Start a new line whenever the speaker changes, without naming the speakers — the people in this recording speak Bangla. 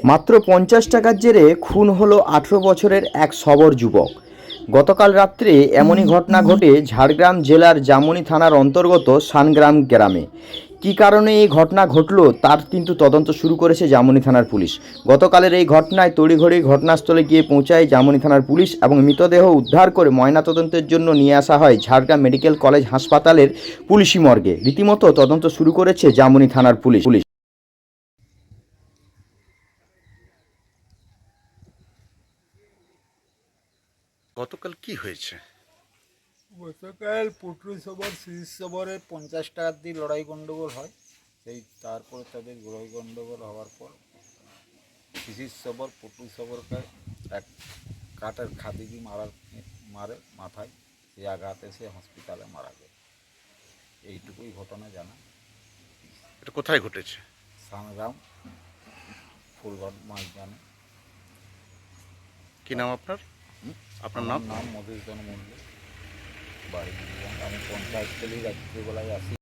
মাত্র 50 টাকার জেরে খুন হলো 18 বছরের এক সবর যুবক। গতকাল রাত্রে এমনই ঘটনা ঘটে ঝাড়গ্রাম জেলার জামুনি থানার অন্তর্গত সানগ্রাম গ্রামে। কী কারণে এই ঘটনা ঘটলো তার কিন্তু তদন্ত শুরু করেছে জামুনি থানার পুলিশ। গতকালের এই ঘটনায় তড়িঘড়ি ঘটনাস্থলে গিয়ে পৌঁছায় জামুনি থানার পুলিশ এবং মৃতদেহ উদ্ধার করে ময়নাতদন্তের জন্য নিয়ে আসা হয় ঝাড়গ্রাম মেডিকেল কলেজ হাসপাতালের পুলিশি মর্গে। রীতিমতো তদন্ত শুরু করেছে জামুনি থানার পুলিশ।
গতকাল কি হয়েছে?
গতকাল পটুরি সবর শিশির সবরের 50 টাকা দিয়ে লড়াই গণ্ডগোল হয়। সেই তারপরে তাদের লড়াই গণ্ডগোল হওয়ার পর শিশির সবর পটুরি সবরকে এক কাঠের খাদি দিয়ে মারে মাথায়। সেই আঘাতে সে হসপিটালে মারা যায়। এইটুকুই ঘটনা জানা।
এটা কোথায় ঘটেছে?
সানগ্রাম ফুলগড় মাঝখানে।
কি নাম আপনার? আপনার
আমার
নাম?
নাম মধুসূদন মন্ডল, বাড়ি আমি পঞ্চায়েত থেকে রাত্রিবেলায় আসি।